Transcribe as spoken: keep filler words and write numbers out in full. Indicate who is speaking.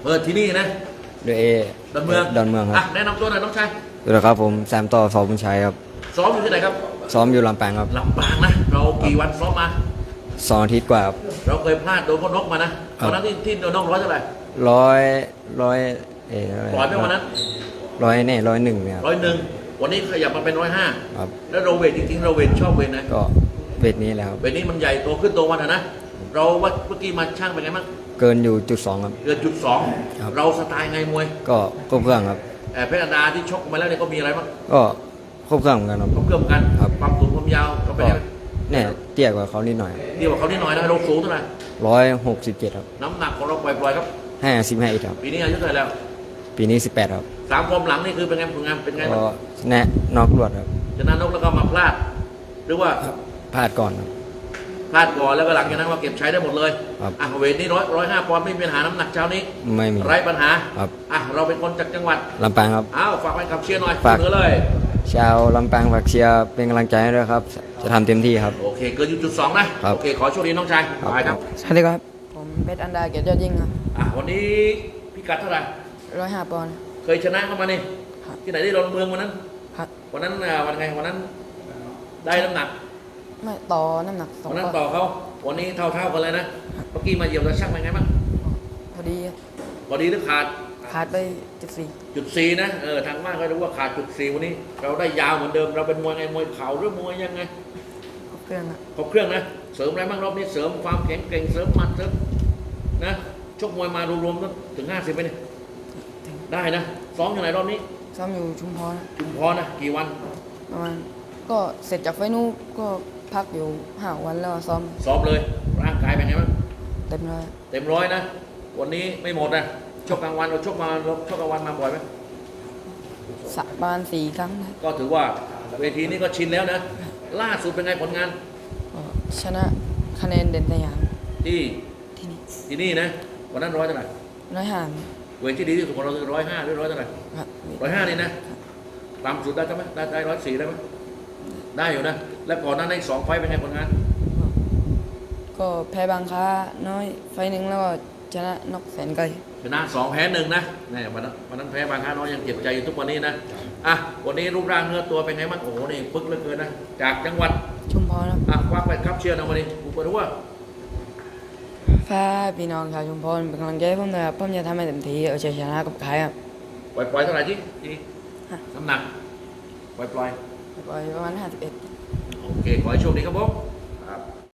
Speaker 1: เปิดที่นี่นะ
Speaker 2: เดเอ
Speaker 1: ดอนเมือง
Speaker 2: ดอนเมืองครั
Speaker 1: อ่ะ
Speaker 2: บ
Speaker 1: แนะนำตัวหน่อยน้องชาย
Speaker 2: สวัสดีครับผมแซมต่อสอบุญชัยครับ
Speaker 1: ซ้อมอยู่ที่ไหนครับ
Speaker 2: ซ้อมอยู่ลำปางครับ
Speaker 1: ลำปางนะเรากี่วันซ้อมมา
Speaker 2: สองอาทิตย์กว่าครับ
Speaker 1: เราเคยพลาดโดนพ่อนกมานะตอนนั้นที่ที่โดนนกร้อยเท่าไหร่
Speaker 2: ร้อยร้อยเออ
Speaker 1: ปล่อยไหมวันนั้น
Speaker 2: ร้อยเนี่ยร้อยหนึ่งเนี่ย
Speaker 1: ร้อยหนึ่งวันนี้ขยับมาเป็นร้อยห้า
Speaker 2: ครับ
Speaker 1: แล้วเราเวทจริงๆเราเวทชอบเวทนะ
Speaker 2: ก็เวทนี้แหละครับ
Speaker 1: เวทนี้มันใหญ่โตขึ้นโตวันนะเราว่าเมื่อกี้มาช่างเป็นไงบ้าง
Speaker 2: เกินอยู่จุดสองครับ
Speaker 1: เกินจุดสองเราสไตล์ไงมวย
Speaker 2: ก็ครบเครื่องครับ
Speaker 1: แต่เพชรดาที่ชกมาแล้วเนี่ยก็มีอะไรบ้าง
Speaker 2: ก็ครบเครื่องเหมือนกันครับ
Speaker 1: ครบเครื่องกันความสูงความยาวเราเป็นยังไง
Speaker 2: เนี่ยเตี้ยกว่าเขานิดหน่อย
Speaker 1: เตี้ยกว่าเขานิดหน่อยนะเราสูงเท่าไหร่
Speaker 2: ร้อยหกสิบเจ็ดครับ
Speaker 1: น้ำหนักของเราปล่อยๆครับ
Speaker 2: ห้าสิบห้าอีกครับ
Speaker 1: ปีนี้อายุเท่าไหร่แล้ว
Speaker 2: ปีนี้สิบแปดครับ
Speaker 1: สามฟอร์มหลังนี่คือเป็นไงผลงานเป็นไงบ้าง
Speaker 2: ก็แนะนอกรวดครับ
Speaker 1: ชนะนกแล้วก็มาพลาดหรือว่า
Speaker 2: พลาดก่อนครับ
Speaker 1: พลาดก่อนแล้วก็หลังจากนั้นมาเก็บใช้ได้หมดเลย
Speaker 2: ครับ
Speaker 1: อ่ะเวทนี้ร้อยร้อยห้าปอนด์ไม่มีปัญหาน้ำหนักเช้านี้
Speaker 2: ไม่มี
Speaker 1: ไร้ปัญหา
Speaker 2: ครับ
Speaker 1: อ่ะเราเป็นคนจากจังหวัด
Speaker 2: ลำปางครับ
Speaker 1: อ้าวฝากไปขับเชียร์หน่อย
Speaker 2: ฝาก
Speaker 1: เลย
Speaker 2: ชาวลำปางฝากเชียร์เป็นกำลังใจให้ด้วยครับจะทำเต็มที่ครับ
Speaker 1: โอเคเกินจุดสองนะโอเคขอโชคดีน้องชายไปครับ
Speaker 3: สวัสดีครับผมเพชรอันดาเกียรติยอดยิ่งครับ
Speaker 1: อ่ะวันนี้พิกัดเท่าไหร่
Speaker 3: ร้อยห้าปอนด์
Speaker 1: เคยชนะเข้ามานี่ที่ไหนได้ดอนเมืองวันนั้น
Speaker 3: ครับ
Speaker 1: วันนั้นวันไงวันนั้นได้น้ำหนัก
Speaker 3: ไม่ต่อน้ำหนักสอง
Speaker 1: วันนั้นต่อเขาวันนี้เท่าเท่ากันเลยนะเมื่อกี้มาเหยียบแล้วช่างเป็นไงบ้าง
Speaker 3: พอดี
Speaker 1: พอดีหรือขาด
Speaker 3: ขาดไปจุดสี่
Speaker 1: จุดสี่นะเออทางมากก็รู้ว่าขาดจุดสี่วันนี้เราได้ยาวเหมือนเดิมเราเป็นมวยไงมวยเข่าหรือมวยยังไง
Speaker 3: ครบเครื่อง
Speaker 1: ครบเครื่องนะเสริมอะไรบ้างรอบนี้เสริมความแข็งแกร่งเสริมมัดเสริมนะชกมวยมารวมๆถึงห้าสิบไปเนี่ยได้นะซ้อมอย่างไรรอบนี้
Speaker 3: ซ้อมอยู่ชุมพร
Speaker 1: ชุมพรนะกี่วัน
Speaker 3: ประมาณก็เสร็จจากไฟนู้ก็พักอยู่ห้าวันแล้วซ้อม
Speaker 1: ซ้อมเลยร่างกายเป็นไงบ้าง
Speaker 3: เต็มร้อย
Speaker 1: เต็มร้อยนะวันนี้ไม่หมดนะชกกลางวันเราชกมาเราชกกลางวันมาบ่อยไหม
Speaker 3: สักประมาณสี่ครั้ง
Speaker 1: ก็ถือว่าเวทีนี้ก็ชินแล้วนะล่าสุดเป็นไงผลงาน
Speaker 3: ชนะคะแนนเด่นสยาม
Speaker 1: ที่
Speaker 3: ที่นี่
Speaker 1: ที่นี่นะวันนั้นร้อยเท่าไหร่
Speaker 3: ร้อยห้า
Speaker 1: เวทที่ดีที่สุดของเราคือร้อยห้าหรือร้อยเท่าไหร่ร้อยห้านี่นะต่ำสุดได้ไหมได้ได้ร้อยสี่ได้ไหมได้อยู่นะแล้วก่อนหน้านั้นสองไฟเป็นไงผลงาน
Speaker 3: ก็แพ้บางค้าน้อยไฟหนึ่งแล้วก็ชนะนกแสนไกล
Speaker 1: ชนะสองแพ้หนึ่งนะนี่วันนั้นวันนั้นแพ้บางค้าน้อยยังเจ็บใจอยู่ทุกวันนี้นะอ่ะวันนี้รูปร่างเนื้อตัวเป็นไงบ้างโอ้โหนี่ปึ๊กเหลือเกินนะจากจังหวัด
Speaker 3: ชุมพร
Speaker 1: อ่ะควักไปครับเชียร์นะวันนี้กูเปิดว่า
Speaker 3: ฟ้าพี่น้องชาวชุมพรเป็นกำลังใจผมเลยครับผมจะทำให้เต็มที่เอาชัยชนะกับใครครับ
Speaker 1: ปล่อยปล่อยเท่าไหร่ที่น้ำหนักปล่อยปล่อย
Speaker 3: ปล่อยประมาณห้าสิบเอ็ด
Speaker 1: โอเคขอให้โชคดีครับผม